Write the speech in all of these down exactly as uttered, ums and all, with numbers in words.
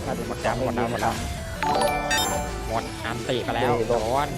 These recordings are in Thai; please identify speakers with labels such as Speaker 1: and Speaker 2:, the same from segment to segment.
Speaker 1: หมดแล้วหมดแล้วหมดแล้วหมดอันตีไปแล้วโดน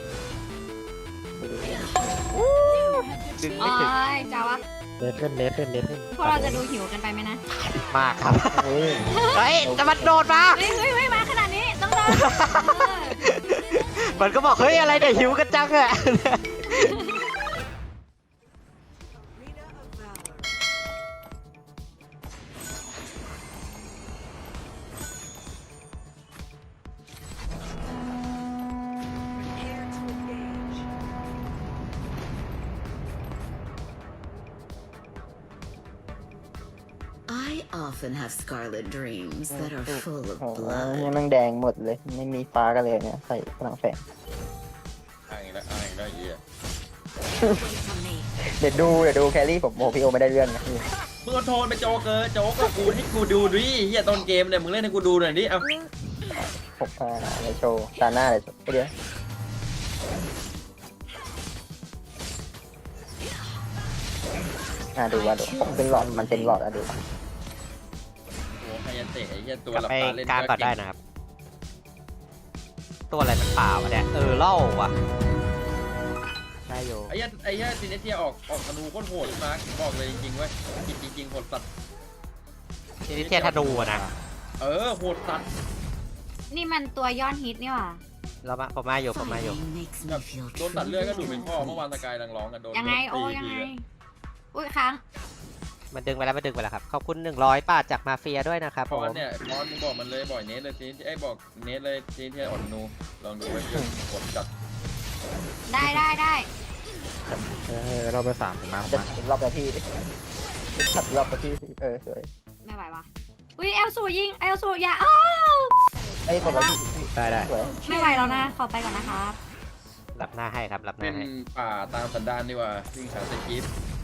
Speaker 2: ดึง
Speaker 3: โอ้
Speaker 2: ไม่ถึง
Speaker 3: ยจ้าวะ
Speaker 1: เลสขึ้นเลสขึ้นเลสขึ้น
Speaker 3: พวกเราจะดูหิวกันไปไหมนะ
Speaker 2: มากครับเฮ้ยแต่มันโดดมา
Speaker 3: เฮ้ยเฮ้ยเฮ้ยมาขนาดนี้ต้องโดน
Speaker 2: มันก็บอกเฮ้ยอะไรเนี่ยหิวกันจังอะ
Speaker 4: I often have scarlet dreams that are full of
Speaker 5: โอ้โห
Speaker 4: blood.
Speaker 5: ยังนั่งแดงหมดเลย ไม่มีฟ้ากันเลยเนี่ยใส่พลังแฝง
Speaker 6: อ้างอีกแล้วอ้างอีกแล้วไอ้เหี้ย
Speaker 5: เดี๋ยวดูเดี๋ยวดูแครี่ผมโอ้พี่โอไม่ได้เรื่องนะพี่
Speaker 6: มึงเอาโทนไปโจ๊กเกอร์โจ๊กกับกูให้กูดูดิเหี้ยต้นเกมเนี่ยมึงเล่นให้กูดูหน่อยดิเอา
Speaker 5: ผมพาในโชว์ตาหน้าเลยเดี๋ยวอ่ะดูว่าดูผมเป็นหลอดมันเป็นหลอดอ่ะดู
Speaker 6: โอ้ไฮยันเตะไอ้เหี้ยตัว
Speaker 2: กลับ
Speaker 6: หลับ
Speaker 2: ไป
Speaker 6: ตาเล่น
Speaker 2: กลางก่อนได้นะครับ ตัวอะไรมันป่าวะเนี่ยเออเล่าวะได้อยู่
Speaker 6: ไอ้เหี้ยไอ้เหี้ยซีเนเทียออกออกธนูโคตรโหดมาร์คบอกเลยจริงๆเว้ยจริงจริงๆโหดสัตว์
Speaker 2: ทีนี้เทียธนูอะนะ
Speaker 6: เออโหดสัตว์
Speaker 3: นี่มันตัวยอดฮิตนี่หว่า
Speaker 2: เรามาผมมาอยู่ผมมาอยู่
Speaker 4: Fighting makes
Speaker 6: แบ
Speaker 4: me
Speaker 6: บ
Speaker 4: feel
Speaker 6: โดนตัดเลือดก็ดู
Speaker 4: truly
Speaker 6: เป็นพ่อเมื่อวาน
Speaker 4: alive.
Speaker 6: สกายดังร้องกันโดน
Speaker 3: ยังไงโอ้
Speaker 6: ตี
Speaker 3: ยังไง
Speaker 6: ทีอะ
Speaker 3: อุ้ยค้าง
Speaker 2: มันดึงไปแล้วมันดึงไปแล้วครับขอบคุณหนึ่งร้อยบาทจากมาเฟียด้วยนะครับ
Speaker 6: พ
Speaker 2: ผ
Speaker 6: อ
Speaker 2: ม
Speaker 6: นเนี่ยพอนมึงบอกมันเลยบ่อยเนสเลยซีไอ้ยบอกเนสเลยซีเทียออกธนูลองดูไว้เพื่อนกดจัด
Speaker 3: ได้ได้ได้
Speaker 1: เออเราไปสามถึงมา
Speaker 5: จะ
Speaker 1: มา
Speaker 5: ถึงรอบนาทีขัดรอบนาทีเออสวย
Speaker 3: ไม่ไหววะอุ้ยเอลสูยิงเอลสูอย่าอ้าว
Speaker 5: ไอ้ยกดแล้วพี่
Speaker 1: ได้ได้
Speaker 5: สวย
Speaker 3: ไม่ไหวแล้วนะขอไปก่อนนะครับ
Speaker 2: รับหน้าให้ครับรับห
Speaker 6: เป็
Speaker 2: น้าน ให้
Speaker 6: ป่าตามสันดานดีกว่าวิ่งหาสกิป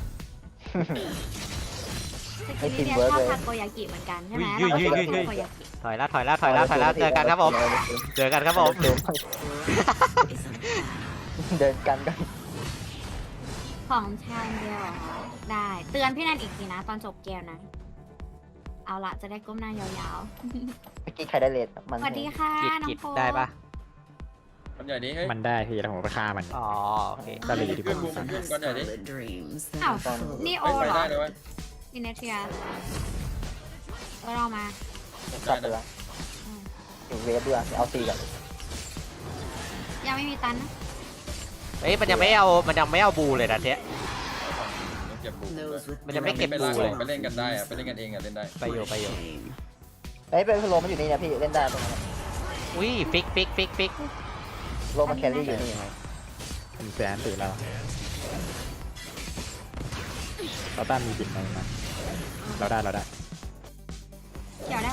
Speaker 3: สกิลนี่เนี่ยชอบทาโกยากิเหมือนกันใช่ไหมเราก็ชอบทาโกยากิ
Speaker 2: ถอยแล้วถอยแล้วถอยแล้วถอยแล้วเจอกันครับผมเจอกันครับผม
Speaker 5: เดิน
Speaker 4: Is a path.
Speaker 5: เดินกันกัน
Speaker 3: ของชายเดียวเหรอได้เตือนพี่นันอีกทีนะ ตอนจบเกมนะ เอาละจะได้ก้มหน้ายาว
Speaker 5: เมื่อกี้ใครได้เลทมัน
Speaker 3: ๆสวัสดีค่ะ
Speaker 2: กิด
Speaker 3: น้อ
Speaker 2: กิ
Speaker 3: ง
Speaker 2: ด
Speaker 3: โฟ
Speaker 2: ได้ปะ
Speaker 6: ทำใหญ่นี้เฮ้ย
Speaker 1: มันได้พี่แล้วผมไปฆ่ามัน
Speaker 2: อ๋อโอเค
Speaker 1: ก็เลยดีกว่า
Speaker 4: I often have scarlet dreams that
Speaker 3: อ้าว
Speaker 4: are full
Speaker 3: นี่
Speaker 4: of
Speaker 3: โอ
Speaker 6: ไป
Speaker 3: เหรอ
Speaker 6: ได้เลยเว้ย
Speaker 3: ดิเนเทียเออเรามา
Speaker 5: จับไปละถึงเวฟด้วยเอาตีกัน
Speaker 3: ยังไม่มีตันนะ
Speaker 2: เฮ้ยมันยังไม่เอามันยังไม่เอาบูเลยนะเทีย
Speaker 6: ต้องเก็บบุกด้วย
Speaker 4: those with
Speaker 2: มันยังไม่เก็บ
Speaker 6: ไป
Speaker 2: บู
Speaker 6: ล่าง
Speaker 2: เลย
Speaker 6: ไปเล่นกันได้อะไปเล่นกันเองอะเล่นได้
Speaker 2: ไปอยู่ไปอยู่
Speaker 4: shame.
Speaker 5: เฮ้ยเป็นโลมันอยู่นี่นะพี่เล่นได้ตรงนั้น
Speaker 2: อุ้ยฟิกฟิกฟิกฟิก
Speaker 5: โลมันแครี่อยู่นี่
Speaker 1: ผมแสนตีแล้วเราต้านมีบิดไหมมาเราได้เราได้
Speaker 3: เดี๋ยวได้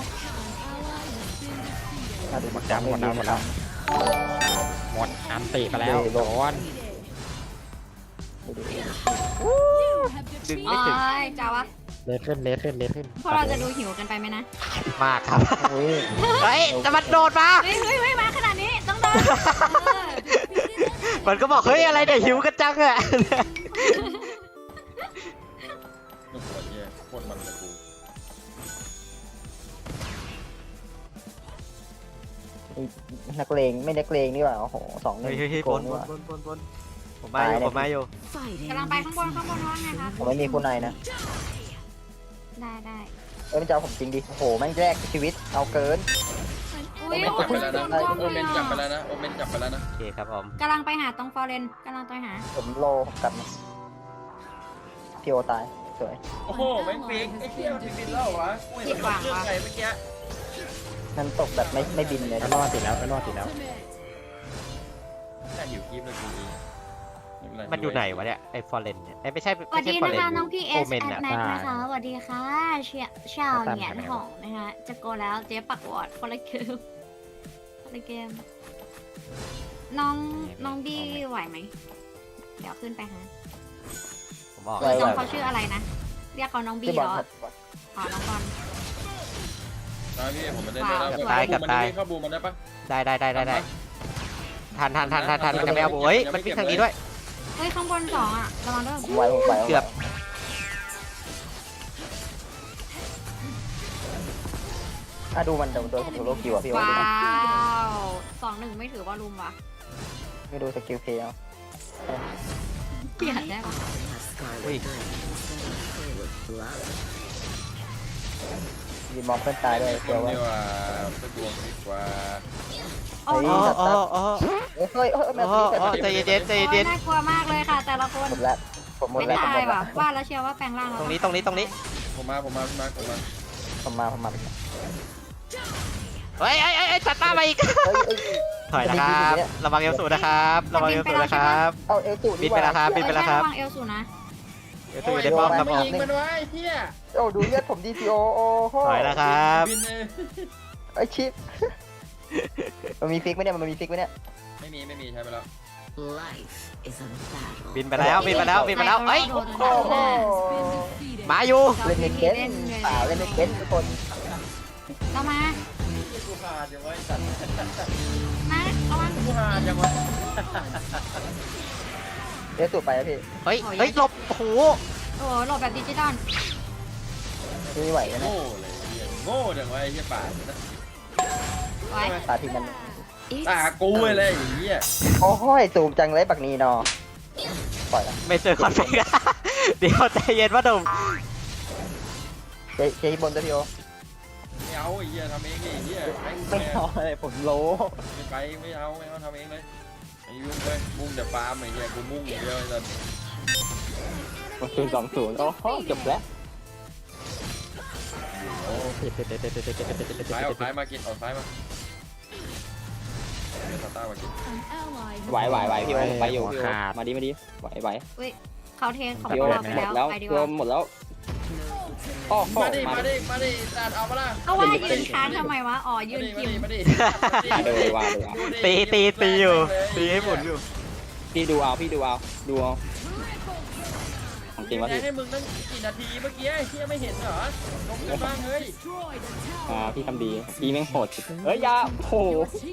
Speaker 5: อ่ะดู
Speaker 1: หมดแล้วหมดแล้วหมดแล้วหมดอันตีไปแล้วโดน
Speaker 5: ดูดู
Speaker 2: ดึง
Speaker 3: โอ้
Speaker 2: ไม่ถึง
Speaker 3: ยจ้าวะ
Speaker 1: เลสขึ้นเลสขึ้นเลสขึ้น
Speaker 3: พวกเราจะดูหิวกันไปไหมนะ
Speaker 2: มากครับ
Speaker 5: อุ้ย
Speaker 2: เฮ้ยแต่มันโดดมา
Speaker 3: เฮ้ยเฮ้ยเฮ้ยมาขนาดนี้ต้องโดนเออ
Speaker 2: มันก็บอกเฮ้ยอะไรเนี่ยหิวกันจังอะ
Speaker 6: ลูกหัวเหี้ยโคตรมันเลยกู
Speaker 5: นักเลงไม่นักเลงนี่หว่าโอ้โหสองหนึ่
Speaker 2: เฮ้
Speaker 5: ง
Speaker 2: ยเฮ้ยเฮ้ย
Speaker 5: โก
Speaker 2: บ
Speaker 5: ง
Speaker 2: น
Speaker 5: นี่
Speaker 2: บ
Speaker 5: ห
Speaker 2: น
Speaker 5: ว่า
Speaker 2: บนบนบนผมมาอยู่ผมมาอยู่
Speaker 4: Fighting
Speaker 3: กำลังไป
Speaker 4: makes
Speaker 3: ข้างบนข้างบนว่าไงครับ
Speaker 5: ผมไม่มีคุณนายนะ
Speaker 3: ได้ได้
Speaker 5: เอ้ยมันจะเอาผมจริงดิโอ้โหแม่งแรกชีวิตเอาเกิน
Speaker 3: อุ้
Speaker 6: โอย เมน
Speaker 3: โอ้
Speaker 6: จับไป
Speaker 3: ย
Speaker 6: แล้ว
Speaker 3: โด
Speaker 6: นะ
Speaker 3: นกล้อง
Speaker 6: โอ
Speaker 3: เล
Speaker 6: เม
Speaker 3: ย
Speaker 6: นจับไป
Speaker 3: อ่ะ
Speaker 6: แล้วนะโอเมนจับไปแล้วนะ
Speaker 2: โอเคครับผม
Speaker 3: กำลังไปหาตรงฟอร์เรนกำลังไปหา
Speaker 5: ผมโลผมกลับมาพี่โอตายสวย
Speaker 6: โอ้โหแม่งฟิกไอ้เหี้ยมันบินแล้วเหรอวะกูเห็นมันเครื่องไงเมื่อกี้
Speaker 5: นั่นตกแบบไม่ไม่บินเลย
Speaker 1: ไปรอดติดแล้วไปรอดติดแล้ว
Speaker 6: แค่หิวคลิปเลยกูดีเป็ร
Speaker 2: มันอยู่ไหนวะเนี่ยไอ้ฟอร์เรนเนี่ยไอ้ไม่ใช่
Speaker 3: สวั
Speaker 2: ไม่
Speaker 3: ส
Speaker 2: ใช่
Speaker 3: ดี
Speaker 2: ฟอร์
Speaker 3: นะ
Speaker 2: เรน
Speaker 3: คะน้องพี่เอ
Speaker 2: โอ
Speaker 3: ส
Speaker 2: เมน
Speaker 3: แอ
Speaker 2: อะ
Speaker 3: ดแม็กนะคะสวัสดีค่ะเชียชาวเหงียนหงนะคะจะโกแล้วเจ๊ปักวอร์ดคนละเกมคนละเกม น้องน้องบี้ไหวไหม เดี๋ยวขึ้นไปฮะ
Speaker 2: ผมบอก
Speaker 3: น้องเขาชื่ออะไรนะ เรียกเขาน้องบี้
Speaker 5: ที่บอ
Speaker 3: เห
Speaker 5: ล
Speaker 3: รอ
Speaker 5: ครับ
Speaker 3: อ๋อน้องบอล
Speaker 6: นะพี่ผมไม่ได้เลยนะเข้าบูมันได้ปะ
Speaker 2: ได้ได้ได้ได้ได้ทันทันทันทันทันมันจะไม่เอาบูเฮ้ยมันวิ่งทางนี้ด้วย
Speaker 3: เฮ้ยข้างบนสองอ่ะระวังด้วย
Speaker 5: ผมไหวผมไหว
Speaker 2: เกือบ
Speaker 5: อ่ะดูมันโดนโดนผมโลกิวอ่ะพี่โอ๊ต
Speaker 3: ว้า
Speaker 5: ดูนะ
Speaker 3: วสองหนึ่งไม่ถือว่าลุมวะ
Speaker 5: ไม่ดูสกิลเพลย์เอา
Speaker 3: เปลี่ยน
Speaker 4: I
Speaker 3: ได้ปะ
Speaker 4: often have scarlet dreams that are full of blood.
Speaker 5: ยืนมองเพื่อนตายด้วย
Speaker 6: ค
Speaker 5: เดี๋ย
Speaker 6: น
Speaker 5: วไว้
Speaker 6: ดีกว่าไปดวงดีกว่า
Speaker 3: โอ้
Speaker 5: เฮ้
Speaker 3: โห
Speaker 5: ย
Speaker 2: อ๋ออ๋ออ๋อ
Speaker 5: เฮ้ยเฮ้ยเฮ้ยแม
Speaker 2: อ๋
Speaker 5: ว
Speaker 2: อ
Speaker 5: ตี
Speaker 2: อ๋อใจเย็นๆใจเย็น
Speaker 3: น่ากลัวมากเลยค่ะ แต่ละคน
Speaker 5: หมดแล้วผมหมด
Speaker 3: ไม่
Speaker 5: แล้วผมหม
Speaker 3: ตาย
Speaker 5: ดแล้
Speaker 3: ว่ะ
Speaker 5: ว
Speaker 3: ว่าแล้วเชียร์ว่าแปลงร่าง
Speaker 2: ๆ
Speaker 3: แล้ว
Speaker 2: ตรงนี้ตรงนี้ตรงนี้
Speaker 6: ผมมาผมมาพี่มาผมมา
Speaker 5: ผมมาผมมา
Speaker 2: เฮ้ยไอ้ไอ้ไอ้จัดหน้ามาอีก
Speaker 5: เฮ้ยเฮ้ย
Speaker 2: ถอยนะครับระวังเอลสูนะครับระวังเอลสูนะครับ
Speaker 5: เอาเอลสู
Speaker 2: บินไปแล้วครับบินไปแล้วครับ
Speaker 3: เออใช่ระวังเอลสูนะ
Speaker 2: เอลสูอยู่ในป้อมครับ
Speaker 6: ไม่
Speaker 2: ผม
Speaker 6: ยิงมันไว้เฮีย
Speaker 5: โอ้ดูเลือดผมดีซีโอโอ้โห
Speaker 2: ถอยนะครับ
Speaker 6: บินเลย
Speaker 5: ไอชิปมันมีฟิกไหมเนี่ยมันมีฟิกไหมเนี่ย
Speaker 6: ไม่มีไม่มีใช้ไปแล้ว
Speaker 4: Life is a battle.
Speaker 2: บินไปแล้วบินไปแล้วบินไปแล้วเอ้ย
Speaker 3: โดน
Speaker 5: โอ้โห
Speaker 2: มาอยู่
Speaker 5: เล่นไม่เก็ตเปล่าเล่นไม่เก็ตทุกคน
Speaker 3: เรามา
Speaker 6: กูหาจังวะไอ้สัตว์
Speaker 3: มาระวัง
Speaker 6: กูหาจังวะ
Speaker 5: เดี๋ยวสูบไปนะพี่
Speaker 2: เฮ้ยเฮ้ยหลบโอ้โห
Speaker 3: โอ้โหหลบแบบดิจิตอล
Speaker 5: พี่ไม่ไหวแล้วนะ
Speaker 6: โง่เลยเฮียโง่จังวะไอ้เฮียป่าดนะ
Speaker 3: ไว้
Speaker 5: ตาทีมัน
Speaker 4: It's
Speaker 6: ตากูเลยไอ้เฮีย
Speaker 5: โอ้โหสูบจังเลยปักนีนอปล่อยละ
Speaker 2: ไม่เจอคอนเฟกต์ เดี๋ยวใจเย็นว่าหนุ่ม
Speaker 5: เจ๊เจ๊บนตัวพี่โอ
Speaker 6: ไม่เอาไอ้เฮียทำเองดิไอ้เฮียแม่ง
Speaker 5: ไม่เอาอะไรผมโล
Speaker 6: ไม่ไปไม่เอาไม่เอาทำเองเลยไอ้ยุ่งเลยมุ่งแต่ฟาร์มไอ้เฮียกูมุ่งอย่างเดียวไอ้สัตว์
Speaker 5: มันคือสองศูนย์โอ้โหจบแล้ว
Speaker 6: โอ้ซ้ายออกซ้ายมากินออกซ้ายมาเดี๋ยวตาต้ามากิน
Speaker 5: ไหวไหวไหวพี่โอไปอยู่
Speaker 1: หัว
Speaker 5: พี่โอ
Speaker 1: ขาด
Speaker 5: มาดิมาดิไหวไหว
Speaker 3: อุ้ยเขาเทสของ
Speaker 5: พี่โอ
Speaker 3: เราไป
Speaker 5: หม
Speaker 3: แล้ว
Speaker 5: ดแล้ว
Speaker 3: ไปดีก
Speaker 5: รว
Speaker 3: ว่าม
Speaker 5: หมดแล้วโอ้โห
Speaker 6: มาดิ
Speaker 5: มา
Speaker 6: มา
Speaker 5: ดิ
Speaker 6: ดิมาดิตัดเอามาละ
Speaker 3: เอาว่ายืนค้างทำไมวะ อ๋อยืน
Speaker 6: มา
Speaker 3: คิ
Speaker 6: ดิ
Speaker 3: ว
Speaker 6: มาดิ
Speaker 5: เดี๋ยวว่าเดี๋ยวว่า
Speaker 2: ตีตีตีอยู่ตีให้หมุนอยู่
Speaker 5: พี่ดูเอาพี่ดูเอาดูเอาของจริงวะพี่
Speaker 6: ให้มึงตั้งกี่นาทีเมื่อกี้เฮียไม่เห็นเหรอลงกันบ้างเฮ้ย
Speaker 5: อ่าพี่ทำดีพี่แม่งโหดเฮ้ยยาโอ้โห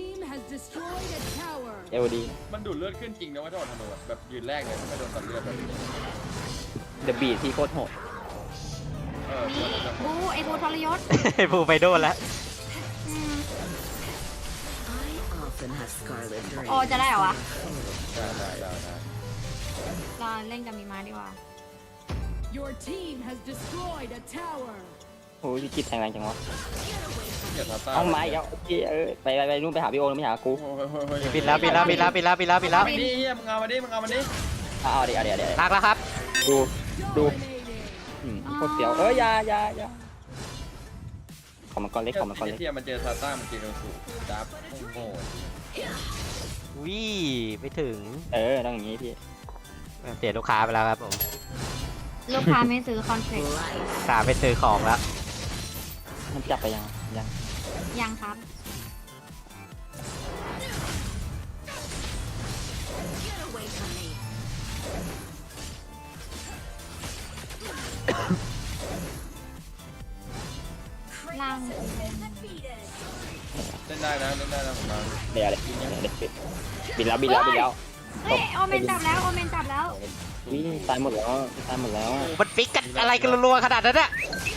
Speaker 5: เอวดี
Speaker 6: มันดูดเลือดขึ้นจริงนะว่าถ้าอดธนูแบบยืนแรกเลยไม่โดนตัดเลือดแบบ
Speaker 5: เดอะบีทที่โคตรโหด
Speaker 6: เออ
Speaker 3: บูไอ้บูทรยศ
Speaker 2: ไอ้ผู้ไปโดนแล้ว
Speaker 3: อืม
Speaker 4: I often have scarlet dreams.
Speaker 3: โอ้จะได้เหรอวะ
Speaker 6: ได้ได้ได้ได้
Speaker 3: เราเล่นกับมีมาดีกว่า
Speaker 7: Your team has destroyed a tower.
Speaker 5: โอ้ยพี่กิดแทงแรงจังวะ
Speaker 6: เกียรติตา
Speaker 5: เอาไม้เอาพี่เออไปไปไปนู่นไปหาพี่โอไม่หากู
Speaker 2: บินแล้วบินแล้วบินแล้วบินแล้วบินแล้วบินแล้ว
Speaker 6: มาดิเฮียมึงเอามาดิมึงเอามาดิ
Speaker 5: เอาเอาเดี๋ยวเดี๋ยวเดี๋ยว
Speaker 2: ลากแล้วครับ
Speaker 5: ดูดู
Speaker 7: Dominating.
Speaker 5: อืมโคตรเสียวเอ้ยยายายาของมันก้อนเล็กของมันก้อนเล็ก
Speaker 6: เทียมันเจอซาต้ามันเจอเอลสูดับโง่
Speaker 2: วิไม่ถึง
Speaker 5: เออต้องอย่างงี้พี่
Speaker 2: เสียลูกค้าไปแล้วครับผม
Speaker 3: ลูกค้าไม่ซื้อคอนเฟกต์
Speaker 2: ลูกค้าไปซื้อของแล้ว
Speaker 5: มันจับไปยังยัง
Speaker 3: ยังครับ ล่าง
Speaker 6: เล่นได้นะเล่นได้นะผมมา
Speaker 5: เดี๋ยวเดี๋ยวเดี๋ยวเดี๋ยวบินแล้วบินแล้วบินแล้ว
Speaker 3: เฮ้ยโอเมนจับแล้วโอเมนจับแล้ว
Speaker 5: วิ่งตายหมดแล้วตายหมดแล้ว
Speaker 2: มันฟิกกันอะไรกันรัวๆขนาดนั้นอะ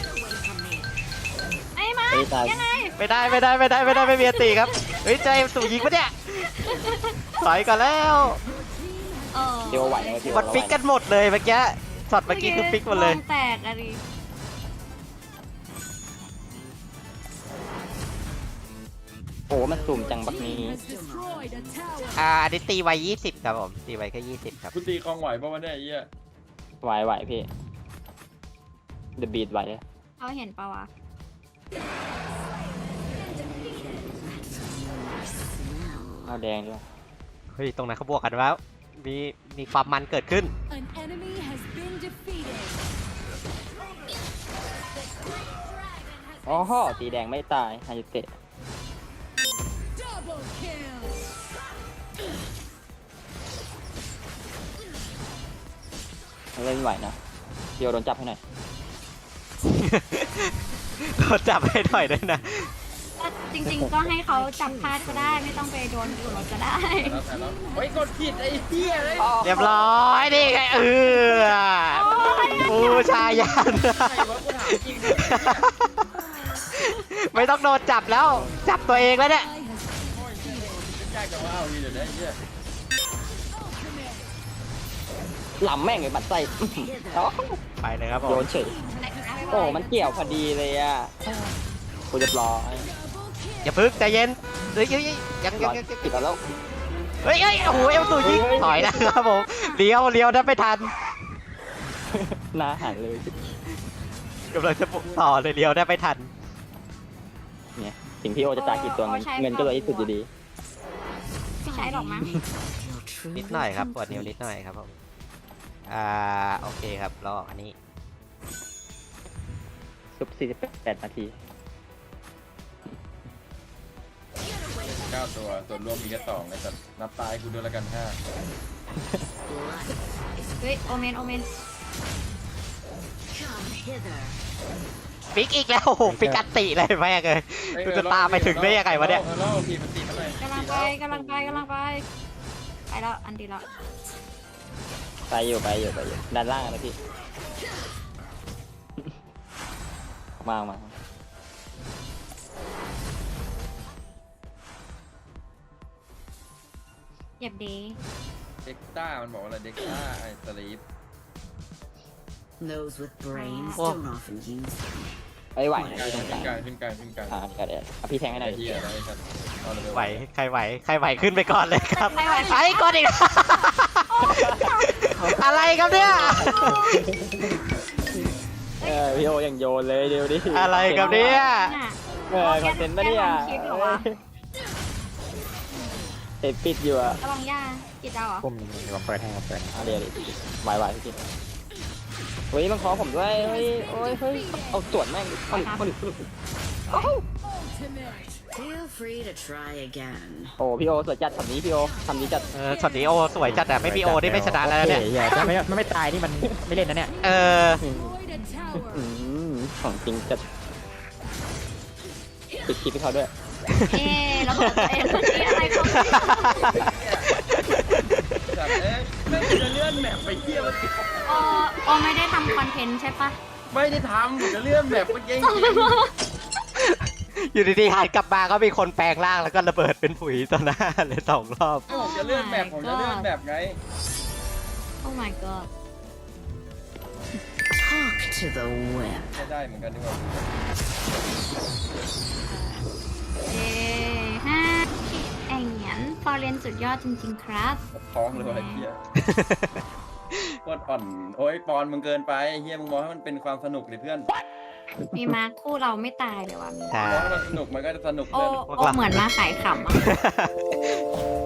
Speaker 3: ไอ้มา
Speaker 5: เอ้ยตาย
Speaker 3: ยังไง
Speaker 2: ไม่ได้ไม่ได้ไม่ได้ไม่ได้ไม่มีอันตีครับเฮ้ยใจสู่ยิงปะเนี่ยถอยก่อนแล้ว
Speaker 3: เออ
Speaker 5: เดี๋ยวไหวนะพี่
Speaker 2: มันฟิกกันหมดเลยเมื่อกี้ช็อตเมื่อกี้คือฟิกหมดเลย
Speaker 3: วงแตกอะดิ
Speaker 5: โอ้มันสุ่มจังบักนี้
Speaker 7: Has destroyed a tower.
Speaker 2: อ่าอันนี้ตีไว้ยี่สิบครับผมตีไว้แค่ยี่สิบครับ
Speaker 6: คุณตีคลองไหวป่าวะเนี่ยไอ้เหี้ย
Speaker 5: ไหวไหวพี่เดอะบีทไหวเลย
Speaker 3: เขาเห็นปะวะ
Speaker 5: เอาแดงด้วย
Speaker 2: เฮ้ยตรงนั้นเขาบวกกันแล้วมีมีความมันเกิดขึ้น
Speaker 7: An enemy has been defeated.
Speaker 5: อ๋อฮอตีแดงไม่ตายฮายุเตะ
Speaker 7: Double kill.
Speaker 5: เล่นไหวนะพี่โอโดนจับให้หน่อย
Speaker 2: โดนจับให้หน่อยด้วยนะ
Speaker 3: ก็จริงๆ ก็ให้เขาจับพลาดก็ได้ ไม่ต้องไปโดนอยู่รถก็ได้
Speaker 6: แล้วแต่แล้วเฮ้ยกดผิดไอ้เหี้ยเลย
Speaker 2: เรียบร้อยนี่ไงเออบูชายัน
Speaker 6: ใครวะกูถามจริง
Speaker 2: ไม่ต้องโดนจับแล้ว จับตัวเองแล้วเนี่ย
Speaker 6: ยากจังว่าเอาดีเดี๋ยวได้เหี้ย
Speaker 5: หล่ำแม่งเลยบัดไส้เอ้า
Speaker 2: ไปเลยครับผ
Speaker 5: โย
Speaker 2: ม
Speaker 5: นเฉยโอ้มันเกี่ยวพอดีเลยอ่ะกูจะรอ
Speaker 2: อย่าพึ่งใจเย็นเฮ้ยเฮ้ยเฮ้ยยัง
Speaker 5: ร
Speaker 2: ยั
Speaker 5: อง
Speaker 2: ยัง
Speaker 5: ติดแล้ว
Speaker 2: เฮ้ยเฮ้ยโอ้โหเอลสูยิงถอยนะครับผมเลี้ยวเลี้ยวได้ไม่ทัน
Speaker 5: หน้าหันเลย
Speaker 2: กำลังจะปุกต่อเลยเลี้ยวได้ไม่ทัน
Speaker 5: เนี่ยถึงพี่โอจะจ่ายกี่ตัวเงินเงินก็เลยที่สุดอยู่ดี
Speaker 3: ไม่ใช้หรอกมั้ง
Speaker 4: You'll truly
Speaker 2: นิดหน่อยครับ
Speaker 4: come
Speaker 2: ปวดนิ้วนิดหน่อยครับผมอ่าโอเคครับรออันนี้
Speaker 5: ซุปสี่สิบแปดนาที
Speaker 6: เก้าตัวส่วนรวมมีแค่สองไอ้สัตว์นับตายกูด้วยละกันห้า
Speaker 3: เฮ้ย โอเมน โอเมน
Speaker 4: Come hither.
Speaker 2: ฟิกอีกแล้วโอ้โหฟิกอัตติเลยแม่งเลยกูจะตามไปถึงได้ยังไงวะเนี่ย
Speaker 6: เออเล่าทีมันตีมันเลย
Speaker 3: กำลังไปกำลังไปกำลังไป ไปแล้ว อันดีแล้ว
Speaker 5: ไปอยู่ไปอยู่ไปอยู่ด้านล่างนะพี่ มามา
Speaker 3: เหยียบดี
Speaker 6: เด็กต้ามันบอกว่าอะไรเด็กต้าไอ้สลีป
Speaker 4: Those with brains
Speaker 2: Oh.
Speaker 4: don't often use them.
Speaker 5: ไอ้ยไหว
Speaker 6: ขึ้น
Speaker 5: นะ
Speaker 6: กลาง
Speaker 5: พี่ตรง
Speaker 6: ขึ้น
Speaker 5: ก
Speaker 6: ก
Speaker 5: ลา
Speaker 6: ลาง งขึ้นกลางขึ้นกลาง
Speaker 5: อ่าก็ได้อ่ะพี่แทงให้หน่
Speaker 6: ไอ้
Speaker 5: อย
Speaker 6: เหี้ยอะไรไอ้สัตว์เอาเลย
Speaker 2: ไหวใครไหวใครไหวขึ้นไปก่อนเลยครับ
Speaker 3: ใครไหว
Speaker 2: ไอ้ก่อนอีก อะไรครับเนี่ย
Speaker 5: เออพี่โอยังโยนเลยเดี๋ยวดิ
Speaker 2: อะไรครับเนี่ย
Speaker 3: น่ะ
Speaker 5: เออคอนเทนต์ปะเนี่ย
Speaker 3: แกทำคลิปเหรอวะ
Speaker 5: เอ็ดปิดอยู่อ่ะ
Speaker 3: ระวังย่ากินเอาเหรอ
Speaker 1: ปุ่มเดี๋ยวมาเปิดให้มาเปิด
Speaker 5: อ่ะเดี๋ยวดิไหวไหวพี่กินเฮ้ยมันขอผมด้วยเฮ้ยโอ้ยเฮ้ยเอาตรวจแม่งดิเอาดิเอาดิเอาดิ
Speaker 7: Ultimate.
Speaker 4: Feel free to try again.
Speaker 5: โอ้พี่โอสวยจัดทำนี้พี่โอทำนี้จัด
Speaker 2: เออช็อตนี้โอสวยจัดแต่ไม่มีโอนี่ไม่ชนะแล้วเนี่ย
Speaker 1: โอคอย่าถ้าไม่ถ้าไม่ตายนี่มันไม่เล่นนะเนี่ย
Speaker 2: เออ
Speaker 7: Destroyed a tower.
Speaker 5: อืมของจริงจัดปิดคลิปให้เขาด้วย
Speaker 3: เอ๊ะระเบิดตัวเองเมื่อกี้อะไรของ
Speaker 6: สัตว์เอ๊ะไม่จะเลื่อนแมปไปเที่ยวมัน
Speaker 3: โอโอไม่ได้ทำคอนเทนต์ใช่ปะ
Speaker 6: ไม่ได้ทำจะเลื่อนแมปเมื่อกี้จริง
Speaker 2: อยู่ดีๆหันกลับมาก็มีคนแปลงร่างแล้วก็ระเบิดเป็นผุยต่อหน้าเลยสองรอบ
Speaker 6: ๆผมจะเลื่อนแมปผมจะเลื่อนแมปไง
Speaker 3: โอ้ my god
Speaker 4: Talk to the whip.
Speaker 6: ไม่ได้เหมือนกันดีกว่า
Speaker 3: เอ๊ะฮะแองเหงียนฟอร์เรนสุดยอดจริงๆครับ
Speaker 6: ท้องเลยว่ะไอ้เหี้ยโคตรอ่อนโอ้ยปอนมึงเกินไปไอ้เหี้ยมึงมองให้มันเป็นความสนุกดิเพื่อน
Speaker 3: มีมาคู่เราไม่ตายเลยว่ะมี
Speaker 2: ใช่
Speaker 6: มองให้มันสนุกมันก็จะสนุก
Speaker 3: โอ
Speaker 6: เลย
Speaker 3: โอเหมือนมาขายขำอะ